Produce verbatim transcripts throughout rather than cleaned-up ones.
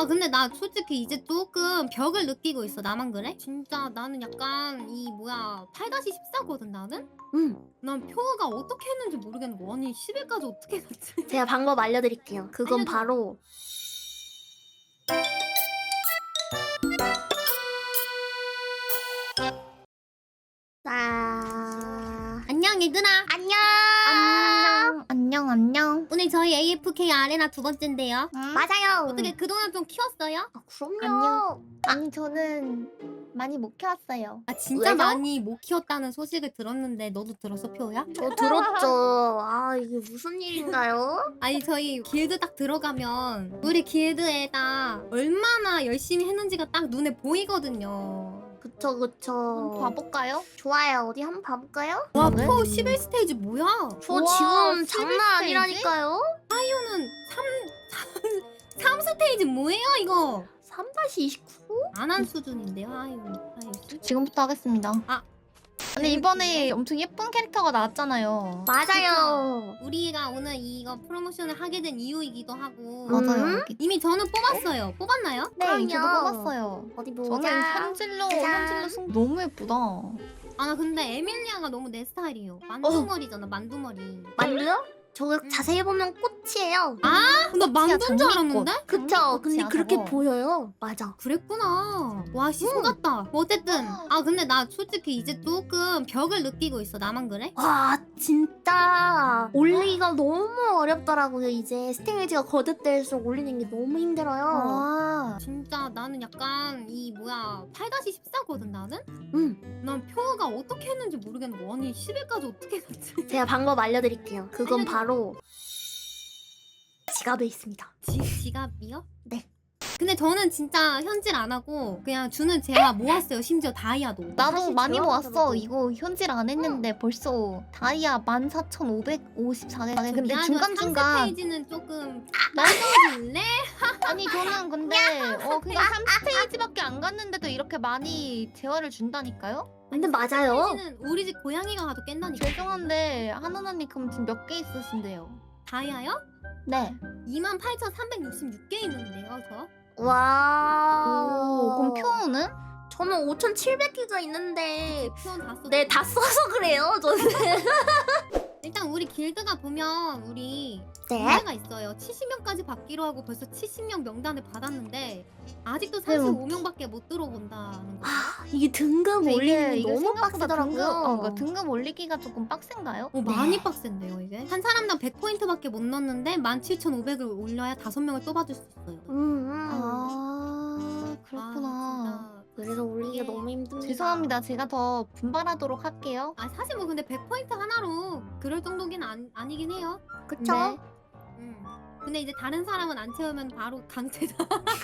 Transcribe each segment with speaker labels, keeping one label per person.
Speaker 1: 아 근데 나 솔직히 이제 조금 벽을 느끼고 있어. 나만 그래? 진짜 나는 약간 이 뭐야 팔 십사거든 나는?
Speaker 2: 음,
Speaker 1: 난 표가 어떻게 했는지 모르겠는 거. 아니 십 일까지 어떻게 갔지?
Speaker 2: 제가 방법 알려드릴게요. 그건
Speaker 1: 알려줘.
Speaker 2: 바로 자
Speaker 1: 안녕 얘들아.
Speaker 2: 안녕 안녕 안녕 안녕.
Speaker 1: 오늘 저희 에이에프케이 아레나 두 번째인데요.
Speaker 2: 맞아요.
Speaker 1: 어떻게 그동안 좀 키웠어요?
Speaker 2: 아, 그럼요.
Speaker 3: 안녕. 아니 저는 많이 못 키웠어요.
Speaker 1: 아 진짜
Speaker 2: 왜요?
Speaker 1: 많이 못 키웠다는 소식을 들었는데 너도 들었어 표야?
Speaker 2: 저 들었죠. 아 이게 무슨 일인가요?
Speaker 1: 아니 저희 길드 딱 들어가면 우리 길드에다 얼마나 열심히 했는지가 딱 눈에 보이거든요.
Speaker 2: 그쵸 그쵸.
Speaker 3: 한번 봐볼까요?
Speaker 2: 좋아요. 어디 한번 봐볼까요?
Speaker 1: 와
Speaker 3: 네?
Speaker 1: 표 십일 스테이지 뭐야?
Speaker 2: 저
Speaker 3: 우와,
Speaker 2: 지금
Speaker 3: 십일
Speaker 2: 장난
Speaker 3: 스테이지?
Speaker 2: 아니라니까요.
Speaker 1: 표는 삼 스테이지 뭐예요 이거?
Speaker 2: 삼 이십구?
Speaker 1: 안 한 수준인데요 하이오 하이오
Speaker 3: 지금부터 하겠습니다.
Speaker 1: 아.
Speaker 3: 근데 이번에 엄청 예쁜 캐릭터가 나왔잖아요.
Speaker 2: 맞아요.
Speaker 1: 우리가 오늘 이거 프로모션을 하게 된 이유이기도 하고
Speaker 3: 맞아요.
Speaker 2: 음?
Speaker 3: 여기.
Speaker 1: 이미 저는 뽑았어요. 뽑았나요?
Speaker 3: 네, 저도
Speaker 2: 그럼요.
Speaker 3: 뽑았어요.
Speaker 2: 어디 보자.
Speaker 3: 저는 현질로
Speaker 2: 짜잔.
Speaker 3: 현질로 승 너무 예쁘다.
Speaker 1: 아 나 근데 에밀리아가 너무 내 스타일이에요. 만두머리잖아 만두머리.
Speaker 2: 만두요? 저거
Speaker 1: 음.
Speaker 2: 자세히 보면 꽃이에요.
Speaker 1: 아, 나 만두인 줄
Speaker 3: 장미꽃.
Speaker 1: 알았는데?
Speaker 2: 그쵸?
Speaker 3: 장미꽃이야,
Speaker 2: 근데 그렇게
Speaker 3: 저거.
Speaker 2: 보여요. 맞아.
Speaker 1: 그랬구나. 와, 씨, 속았다. 뭐 어쨌든. 아, 근데 나 솔직히 이제 조금 벽을 느끼고 있어. 나만 그래?
Speaker 2: 와 진짜 올리기가 너무 어렵더라고요. 이제 스테이지가 거듭될수록 올리는 게 너무 힘들어요.
Speaker 3: 아,
Speaker 1: 진짜 나는 약간 이 뭐야 팔 십사거든 나는?
Speaker 2: 음,
Speaker 1: 난 표가 어떻게 했는지 모르겠는 거. 아니 십 일까지 어떻게 갔지?
Speaker 2: 제가 방법 알려드릴게요. 그건
Speaker 1: 알려줘.
Speaker 2: 바로 지갑에 있습니다.
Speaker 1: 지, 지갑이요?
Speaker 2: 네.
Speaker 1: 근데 저는 진짜 현질 안 하고 그냥 주는 제가 모았어요. 심지어 다이아도.
Speaker 3: 나도
Speaker 2: 사실
Speaker 3: 많이
Speaker 2: 제가
Speaker 3: 모았어.
Speaker 2: 하더라도.
Speaker 3: 이거 현질 안 했는데 벌써 다이아 만 사천오백오십사 개. 근데
Speaker 1: 미안하지만
Speaker 3: 중간 중간
Speaker 1: 삼 스테이지는 조금
Speaker 3: 나
Speaker 1: 줄래?
Speaker 3: 아니 저는 근데 어 그냥 삼 스테이지밖에 안 갔는데도 이렇게 많이 재화를 준다니까요?
Speaker 2: 근데 맞아요.
Speaker 1: 스테이지는 우리 집 고양이가 가도 깬다니까.
Speaker 3: 죄송한데 하는 언니 그럼 지금 몇 개 있으신데요?
Speaker 1: 다이아요?
Speaker 3: 네.
Speaker 1: 이만 팔천삼백육십육 개 있는데요, 저?
Speaker 2: 와.
Speaker 3: 오, 그럼 표는?
Speaker 2: 저는 오천칠백 개가 있는데
Speaker 1: 표현 다 썼어.
Speaker 2: 네 다 써서 그래요. 저는.
Speaker 1: 일단 우리 길드가 보면 우리
Speaker 2: 네.
Speaker 1: 문제가 있어요. 칠십 명까지 받기로 하고 벌써 칠십 명 명단을 받았는데 아직도
Speaker 3: 네, 뭐.
Speaker 1: 삼십오 명밖에 못 들어본다는 거.
Speaker 2: 아 이게 등급
Speaker 3: 근데
Speaker 2: 올리는 게
Speaker 3: 이게
Speaker 2: 너무
Speaker 3: 생각보다
Speaker 2: 빡세더라고요.
Speaker 3: 등급, 어, 그러니까 등급 올리기가 조금 빡센가요?
Speaker 1: 어, 많이 빡센데요, 이게? 한 사람당 백 포인트밖에 못 넣었는데 만 칠천오백을 올려야 다섯 명을 또 받을 수 있어요.
Speaker 2: 음, 음.
Speaker 3: 아 그렇구나.
Speaker 1: 아,
Speaker 2: 그래서 올리기가
Speaker 1: 이게-
Speaker 2: 너무 힘듭니다.
Speaker 3: 죄송합니다. 제가 더 분발하도록 할게요.
Speaker 1: 아 사실 뭐 근데 백 포인트 하나로 그럴 정도긴 안, 아니긴 해요.
Speaker 2: 그쵸?
Speaker 3: 네.
Speaker 1: 음. 근데 이제 다른 사람은 안 채우면 바로 강퇴다.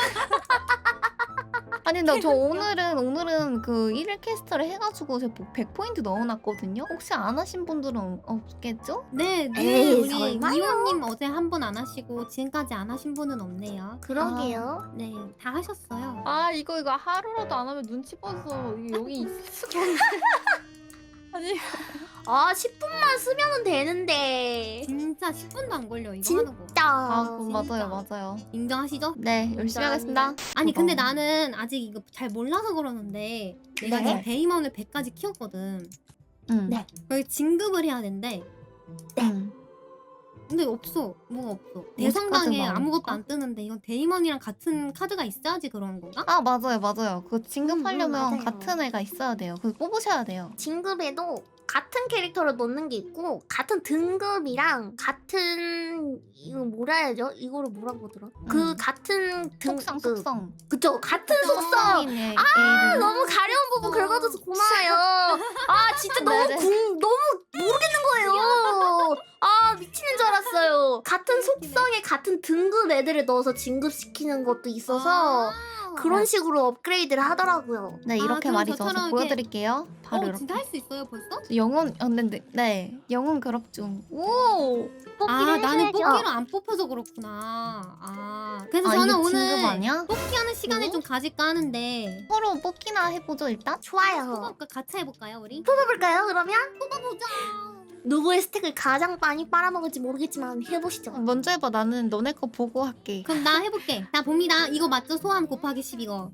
Speaker 3: 아니 근데 저 오늘은 오늘은 그 일 일 캐스터를 해가지고 제가 백 포인트 넣어놨거든요. 혹시 안 하신 분들은 없겠죠?
Speaker 1: 네, 네.
Speaker 2: 에이,
Speaker 1: 우리
Speaker 2: 설마요?
Speaker 1: 이호님 어제 한 번 안 하시고 지금까지 안 하신 분은 없네요.
Speaker 2: 그러게요.
Speaker 1: 네, 다 하셨어요.
Speaker 3: 아 이거 이거 하루라도 안 하면 눈치 봐서 이게 여기 있을 수가 없네. 아니
Speaker 2: 아 십 분만 쓰면은 되는데.
Speaker 1: 진짜 십 분도 안 걸려 이거
Speaker 2: 진짜.
Speaker 1: 하는 거.
Speaker 3: 아
Speaker 2: 음,
Speaker 3: 그거
Speaker 1: 진짜.
Speaker 3: 맞아요 맞아요.
Speaker 1: 인정하시죠?
Speaker 3: 네 열심히 하겠습니다.
Speaker 1: 아니 근데
Speaker 3: 그거.
Speaker 1: 나는 아직 이거 잘 몰라서 그러는데 내가
Speaker 2: 네.
Speaker 1: 지금 베이먼을 백까지 키웠거든.
Speaker 3: 응.
Speaker 2: 네.
Speaker 1: 그래서 진급을 해야 된대.
Speaker 3: 응.
Speaker 1: 근데 없어. 뭐가 없어.
Speaker 3: 카드가
Speaker 1: 대성당에
Speaker 3: 나오는
Speaker 1: 아무것도
Speaker 3: 건가?
Speaker 1: 안 뜨는데 이건 데이먼이랑 같은 카드가 있어야지 그런 건가?
Speaker 3: 아 맞아요 맞아요. 그거 진급하려면
Speaker 2: 음, 음, 맞아요.
Speaker 3: 같은 애가 있어야 돼요. 그거 뽑으셔야 돼요.
Speaker 2: 진급에도 같은 캐릭터를 넣는 게 있고 같은 등급이랑 같은 이거 뭐라 해야죠? 이거를 뭐라고 하더라? 그
Speaker 3: 음.
Speaker 2: 같은
Speaker 3: 속성
Speaker 2: 등급
Speaker 3: 속성.
Speaker 2: 그쵸 같은 속성
Speaker 3: 아
Speaker 2: 너무 가려운 부분 긁어줘서 고마워요. 아 진짜 너무
Speaker 3: 네네.
Speaker 2: 궁 너무 모르겠는 거예요. 아 미치는 줄 알았어요. 같은 속성에 같은 등급 애들을 넣어서 진급시키는 것도 있어서
Speaker 1: 아.
Speaker 2: 그런 식으로 업그레이드를 하더라고요.
Speaker 3: 네
Speaker 1: 아,
Speaker 3: 이렇게
Speaker 1: 그럼
Speaker 3: 말이죠.
Speaker 1: 저처럼
Speaker 3: 저
Speaker 1: 이렇게-
Speaker 3: 보여드릴게요. 바로
Speaker 1: 어,
Speaker 3: 이렇게.
Speaker 1: 진짜 할 수 있어요 벌써?
Speaker 3: 영혼 어, 네, 네, 네 영혼 그룹 중. 오.
Speaker 1: 아 나는
Speaker 2: 해줘야죠.
Speaker 1: 뽑기로 안 뽑혀서 그렇구나. 아 그래서
Speaker 3: 아
Speaker 1: 저는
Speaker 3: 이게
Speaker 1: 오늘
Speaker 3: 진급 아니야?
Speaker 1: 뽑기하는 시간을
Speaker 3: 어?
Speaker 1: 좀 가질까 하는데
Speaker 3: 서로 뽑기나 해보죠 일단.
Speaker 2: 좋아요.
Speaker 1: 뽑아볼까? 같이 해볼까요 우리?
Speaker 2: 뽑아볼까요 그러면?
Speaker 1: 뽑아보자.
Speaker 2: 누구의 스택을 가장 많이 빨아먹을지 모르겠지만 해보시죠.
Speaker 3: 먼저 해봐. 나는 너네 거 보고 할게.
Speaker 1: 그럼 나 해볼게. 나 봅니다. 이거 맞죠? 소함 곱하기 십 이거.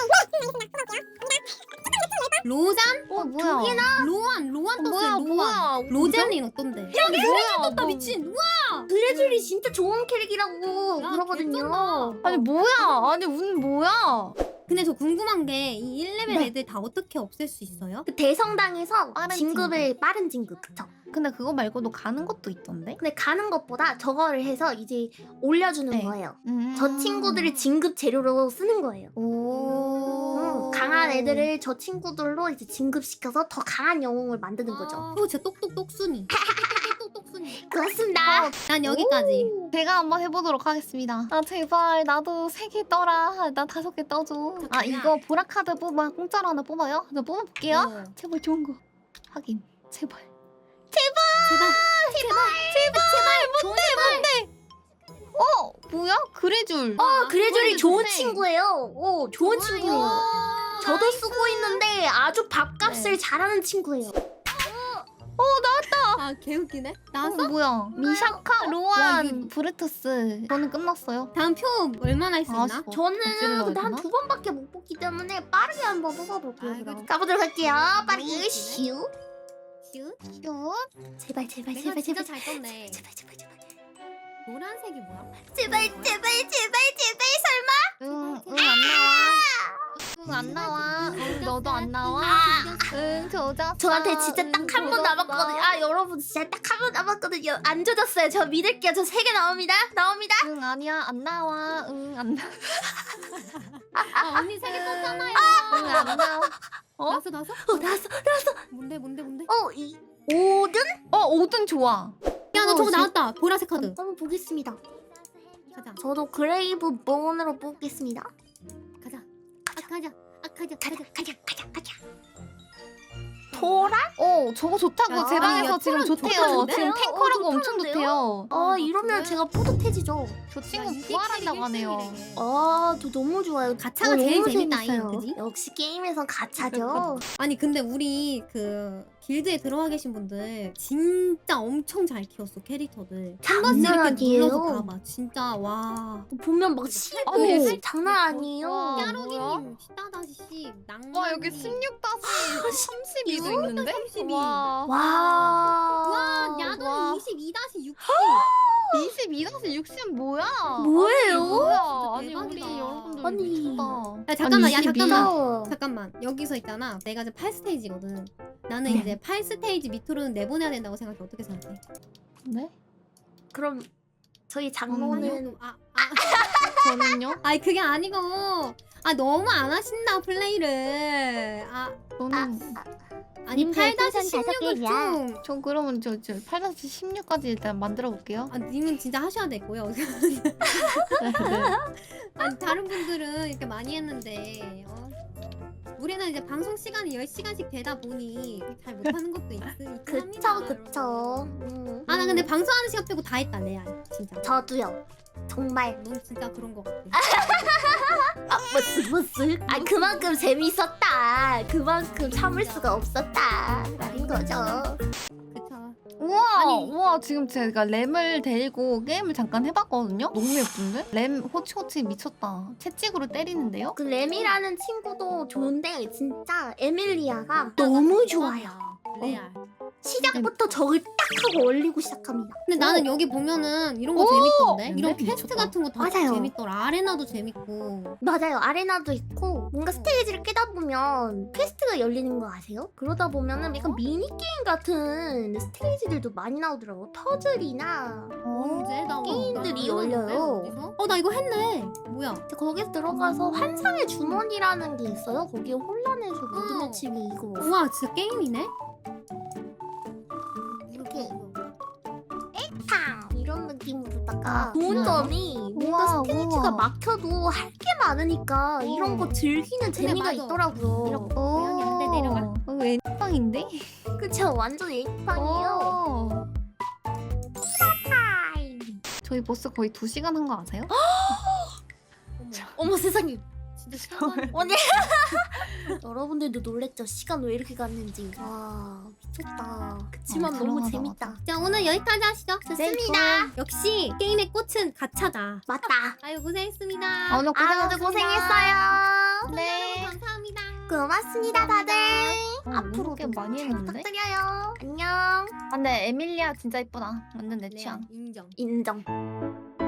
Speaker 1: 로잔?
Speaker 3: 어 뭐야?
Speaker 1: 로안 로안
Speaker 3: 어,
Speaker 1: 떴어요.
Speaker 3: 뭐야
Speaker 1: 로안.
Speaker 3: 뭐야?
Speaker 1: 로젤린 어떤데?
Speaker 3: 여기 뭐야?
Speaker 1: 떴다 미친. 우와.
Speaker 2: 그래줄이 진짜 좋은 캐릭이라고
Speaker 1: 야,
Speaker 2: 그러거든요.
Speaker 1: 개쩐다.
Speaker 3: 아니 뭐야? 아니 운 뭐야?
Speaker 1: 근데 저 궁금한 게 이 일 레벨
Speaker 2: 네.
Speaker 1: 애들 다 어떻게 없앨 수 있어요?
Speaker 2: 그 대성당에서
Speaker 3: 빠른
Speaker 2: 진급을 빠른 진급 그쵸?
Speaker 3: 근데 그거 말고도 가는 것도 있던데?
Speaker 2: 근데 가는 것보다 저거를 해서 이제 올려주는
Speaker 3: 네.
Speaker 2: 거예요.
Speaker 3: 음.
Speaker 2: 저 친구들을 진급 재료로 쓰는 거예요.
Speaker 3: 오.
Speaker 2: 음, 강한 애들을 저 친구들로 이제 진급시켜서 더 강한 영웅을 만드는 거죠.
Speaker 1: 아, 어, 진짜 똑똑똑순이. 똑똑똑순이.
Speaker 2: 그렇습니다.
Speaker 1: 난 여기까지.
Speaker 3: 제가 한번 해보도록 하겠습니다. 아 제발 나도 세 개 떠라. 나 다섯 개 떠줘. 아 이거 보라 카드 뽑아 공짜로 하나 뽑아요? 나 뽑아볼게요.
Speaker 1: 어.
Speaker 3: 제발 좋은 거. 하긴 제발.
Speaker 1: 제발. 제발. 제발. 뭔데 뭔데?
Speaker 3: 어 뭐야? 그래줄.
Speaker 2: 어, 그래줄이
Speaker 3: 그래줄
Speaker 2: 좋은
Speaker 3: 좋네.
Speaker 2: 친구예요. 오, 좋은 친구예요. 저도 쓰고 있는데 아주 밥값을
Speaker 3: 네.
Speaker 2: 잘하는 친구예요.
Speaker 1: 아 개웃기네.
Speaker 3: 어,
Speaker 1: 나왔어?
Speaker 3: 뭐야? 미샤카,
Speaker 1: 와,
Speaker 3: 로안,
Speaker 1: 이게-
Speaker 3: 브레투스. 저는 끝났어요.
Speaker 1: 다음 표 얼마나 할 수 있나?
Speaker 3: 아쉽다.
Speaker 2: 저는
Speaker 3: 어찌를
Speaker 2: 근데
Speaker 3: 해야
Speaker 2: 한
Speaker 3: 되나?
Speaker 2: 두 번밖에 못 뽑기 때문에 빠르게 한번 뽑아볼게요.
Speaker 1: 아이고,
Speaker 2: 그럼. 가보도록 할게요. 빠르게 슈.
Speaker 1: 슛.
Speaker 3: 슛.
Speaker 2: 제발 제발
Speaker 1: 내가
Speaker 2: 제발
Speaker 1: 진짜
Speaker 2: 제발
Speaker 1: 잘 떴네.
Speaker 2: 제발 제발 제발
Speaker 1: 노란색이 뭐야?
Speaker 2: 제발 제발 제발 제발 설마?
Speaker 3: 응, 응, 안 나와. 응, 안 나와. 응, 너도 안 나와. 응, 조졌어.
Speaker 2: 저한테 진짜
Speaker 3: 응,
Speaker 2: 딱 한 번
Speaker 3: 조졌어.
Speaker 2: 남았거든요. 아 여러분 진짜 딱 한 번 남았거든요. 안 조졌어요. 저 믿을게요. 저 세 개 나옵니다. 나옵니다.
Speaker 3: 응, 아니야, 안 나와. 응, 안 나와.
Speaker 1: 아 언니 세 개 떴잖아요.
Speaker 3: 응, 안 나와. 어?
Speaker 1: 나왔어 나왔어?
Speaker 2: 어 나왔어 나왔어.
Speaker 1: 뭔데 뭔데 뭔데?
Speaker 2: 어이 오든?
Speaker 3: 어, 오든 좋아.
Speaker 1: 야 나
Speaker 2: 어,
Speaker 1: 저거
Speaker 2: 진-
Speaker 1: 나왔다. 보라색 카드.
Speaker 2: 한번 보겠습니다.
Speaker 1: 가자
Speaker 2: 저도 그레이브 본으로 뽑겠습니다.
Speaker 1: 가자. 아 가자. 아 가자
Speaker 2: 가자
Speaker 1: 가자.
Speaker 2: 가자 가자 가자. 토라?
Speaker 3: 어, 저거 좋다고
Speaker 1: 야,
Speaker 3: 제
Speaker 1: 야,
Speaker 3: 방에서
Speaker 1: 야,
Speaker 3: 지금
Speaker 1: 토론
Speaker 3: 좋대요.
Speaker 1: 좋다는데?
Speaker 3: 지금
Speaker 2: 어,
Speaker 3: 탱커라고 엄청
Speaker 2: 좋다는데요?
Speaker 3: 좋대요.
Speaker 2: 아
Speaker 1: 아,
Speaker 2: 이러면
Speaker 1: 그래?
Speaker 2: 제가 뿌듯해지죠.
Speaker 3: 저 친구
Speaker 1: 야, 이게
Speaker 3: 부활한다고
Speaker 1: 캐릭
Speaker 3: 하네요.
Speaker 1: 일등이래.
Speaker 2: 아, 저 너무 좋아요.
Speaker 1: 가차가
Speaker 2: 어,
Speaker 1: 제일
Speaker 2: 너무
Speaker 1: 재밌다잉,
Speaker 2: 재밌어요.
Speaker 1: 그지?
Speaker 2: 역시 게임에선 가차죠.
Speaker 1: 아니 근데 우리 그 길드에 들어와 계신 분들 진짜 엄청 잘 키웠어 캐릭터들. 한 번씩
Speaker 2: 장난
Speaker 1: 이렇게
Speaker 2: 아니에요.
Speaker 1: 눌러서 봐봐. 진짜 와.
Speaker 2: 보면 막 실고
Speaker 3: 아니,
Speaker 2: 장난 아니에요.
Speaker 3: 와.
Speaker 1: 야로기님 십다다시 낭만.
Speaker 3: 와, 여기 십육 다시 삼십이도 있는데?
Speaker 1: 삼십이.
Speaker 3: 와.
Speaker 2: 와.
Speaker 1: 와 야돈
Speaker 3: 와.
Speaker 1: 이십이 다시 육십.
Speaker 3: 이십이 다시 육십 뭐야?
Speaker 2: 뭐예요?
Speaker 3: 뭐야? 아니
Speaker 1: 진짜
Speaker 3: 우리
Speaker 1: 대박이다.
Speaker 3: 여러분들
Speaker 2: 아니.
Speaker 3: 미쳤다.
Speaker 1: 야 잠깐만 야
Speaker 3: 아니, 이십이.
Speaker 1: 잠깐만
Speaker 2: 어.
Speaker 1: 잠깐만 여기서 있잖아. 내가 이제 팔 스테이지거든. 나는
Speaker 3: 네.
Speaker 1: 이제 팔 스테이지 밑으로는 내보내야 된다고 생각해. 어떻게 생각해?
Speaker 3: 네?
Speaker 2: 그럼 저희
Speaker 3: 음.
Speaker 2: 장모는
Speaker 1: 아, 아.
Speaker 3: 저는요?
Speaker 1: 아니 그게 아니고 아 너무 안 하신다 플레이를. 아
Speaker 3: 저는
Speaker 1: 아니
Speaker 2: 님들
Speaker 1: 팔 다시
Speaker 2: 풍선 다섯
Speaker 1: 십육을
Speaker 2: 개냐?
Speaker 1: 좀.
Speaker 3: 저 그러면 저, 저 팔 다시 십육까지 일단 만들어 볼게요.
Speaker 1: 아 님은 진짜 하셔야 되고요.
Speaker 3: 네, 네.
Speaker 1: 아니 다른 분들은 이렇게 많이 했는데 어? 우리는 이제 방송 시간이 열 시간씩 되다 보니 잘 못하는 것도 있, 있긴
Speaker 2: 그쵸
Speaker 1: 합니다.
Speaker 2: 그쵸. 음.
Speaker 1: 아나 근데 방송하는 시간 빼고 다 했다 레알 진짜.
Speaker 2: 저도요. 정말.
Speaker 1: 넌 진짜 그런 거 같아.
Speaker 2: 아 무스 무스. 아 그만큼 재밌었다. 그만큼 참을 수가 없었다. 라는 거죠.
Speaker 1: 그쵸.
Speaker 3: 우와,
Speaker 1: 아니.
Speaker 3: 우와 지금 제가 램을 데리고 게임을 잠깐 해봤거든요. 너무 예쁜데? 램 호치호치 미쳤다. 채찍으로 때리는데요?
Speaker 2: 그 램이라는 친구도 좋은데 진짜 에밀리아가 너무 좋아요.
Speaker 1: 레알.
Speaker 2: 시작부터 적을 딱 하고 올리고 시작합니다.
Speaker 1: 근데 나는 여기 보면은 이런 거
Speaker 3: 오!
Speaker 1: 재밌던데? 이런
Speaker 3: 근데?
Speaker 1: 퀘스트
Speaker 3: 미쳤다.
Speaker 1: 같은 거 다
Speaker 2: 맞아요.
Speaker 1: 재밌더라. 아레나도 재밌고.
Speaker 2: 맞아요. 아레나도 있고 뭔가 스테이지를 깨다 보면 퀘스트가 열리는 거 아세요? 그러다 보면은 약간 미니게임 같은 스테이지들도 많이 나오더라고. 퍼즐이나
Speaker 1: 언제? 나
Speaker 2: 게임들이
Speaker 1: 나
Speaker 2: 열려요.
Speaker 1: 어디서? 어, 나 이거 했네. 뭐야?
Speaker 2: 거기에 들어가서 환상의 주머니라는 게 있어요. 거기에 혼란에서 모든 해치기 이거
Speaker 1: 우와, 진짜 게임이네?
Speaker 2: 이렇게 탕 이런 느낌으로다가 좋은
Speaker 3: 우와.
Speaker 2: 점이 뭔가
Speaker 3: 우와,
Speaker 2: 스테이지가
Speaker 3: 우와.
Speaker 2: 막혀도 할 게 많으니까 이런 거 즐기는 재미가
Speaker 1: 맞아.
Speaker 2: 있더라고요.
Speaker 1: 이렇게. 고양이한테 내려가.
Speaker 3: 어, 이거 애빵인데?
Speaker 2: 그쵸? 완전 에이팡이에요.
Speaker 3: 어.
Speaker 2: 타임.
Speaker 3: 저희 보스 거의 두 시간 한 거 아세요?
Speaker 1: 어머,
Speaker 2: 어머 세상에.
Speaker 1: 진짜 시간
Speaker 2: 언니 여러분들도 놀랬죠? 시간 왜 이렇게 갔는지. 와 미쳤다. 그치만
Speaker 3: 어,
Speaker 2: 너무
Speaker 3: 다양하다,
Speaker 2: 재밌다.
Speaker 1: 자 오늘 여기까지 하시죠.
Speaker 2: 좋습니다.
Speaker 1: 역시 게임의 꽃은 가차다.
Speaker 2: 맞다.
Speaker 1: 아유 고생했습니다.
Speaker 3: 아, 오늘
Speaker 2: 아 오늘 고생했어요.
Speaker 1: 네. 감사합니다.
Speaker 2: 고맙습니다 다들.
Speaker 3: 어,
Speaker 2: 앞으로도
Speaker 3: 게 많이
Speaker 2: 잘
Speaker 3: 했는데?
Speaker 2: 부탁드려요. 안녕.
Speaker 3: 아, 근데 에밀리아 진짜 이쁘다. 완전 내
Speaker 1: 네,
Speaker 3: 취향.
Speaker 1: 인정.
Speaker 2: 인정.